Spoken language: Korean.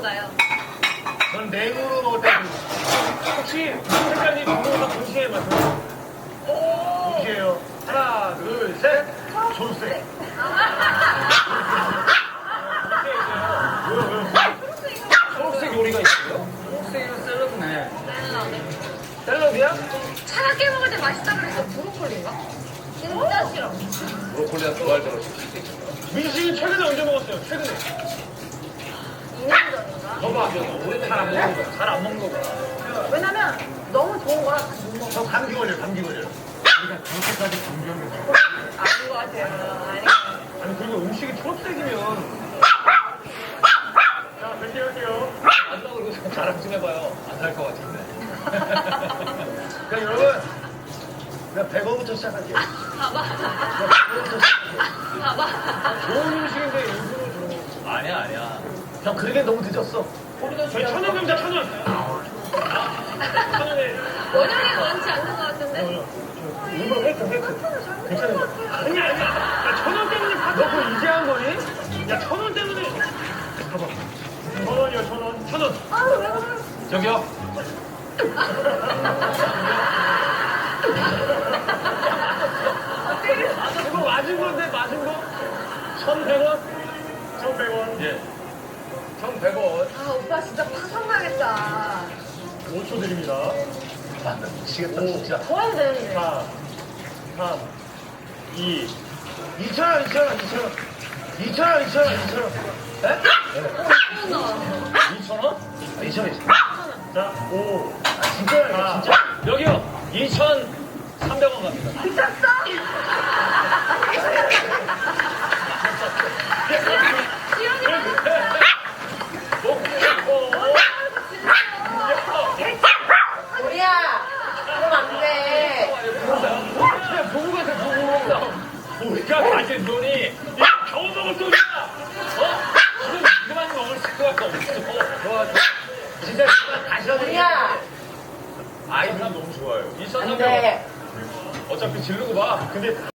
몰라요. 전 냉으로 먹을 때 혹시 무슨 색깔이 궁금해서 동시에 맞춰요? 동시에요. 하나, 둘, 셋. 초록색. 초록색 요리가 있어요? 초록색은 샐러드네. 샐러드야? 차갑게 먹을 때 맛있다 그래서 브로콜리인가? 진짜 싫어. 브로콜리가 좋아할 때로 민식이 최근에 언제 먹었어요? 최근에. 2년 전인가? 봐봐. 잘안 먹는 거. 잘 안 먹는 거구나. 왜냐면 너무 좋은 거라 못 먹어. 저 감기 걸려요, 감기 걸려요. 그러니까 그렇게까지 감기하면 아닌 것 같아요. 아니. 아니 그리고 음식이 초록색이면 자, 몇 개 할게요. 안다고 그러고 자랑 좀 해봐요. 안 살 것 같은데. 그럼 여러분, 그냥 100원부터 시작할게요. 봐봐. 봐봐. 좋은 음식인데 일부러 주는 거. 아니야. 형, 그러게 너무 늦었어. 저희 1,000원 감자 1,000원. 1,000원에. 원영이가 많지 않는 것 같은데? 일부러 획득. 괜찮은 거. 아니야. 야, 1,000원 때문에 너 그거 이제 한 거니? 야, 1,000원 때문에. 봐봐. 1,000원이요, 1,000원. 1,000원. 아유, 왜 그래? 저기요. 이거 맞은 건데, 맞은 거? 1,100원? 1,100원. 예. 1,100원. 아, 오빠 진짜 파산 나겠다. 5초 드립니다. 아, 나 미치겠다, 진짜. 더 해야 되는데. 4, 3, 2, 2,000원, 2,000원, 2,000원. 2,000원, 2,000원, 2,000원. 네? 2,000원? 2,000원. 자, 5. 아, 진짜요, 진짜. 여기요. 2,300원 갑니다. 미쳤어? 지연이 우리야, 그럼 안 돼. 그냥 보고 가세요, 보고. 우리가 가진 돈이 이거 겨우 먹을 돈이야. 지금 이거만 먹을 수밖에 없어. 좋아. 진짜 다시 하자. 우리야, 아이, 사람 너무 좋아요. 안 2,300원. 돼. 어차피 지르고 봐. 근데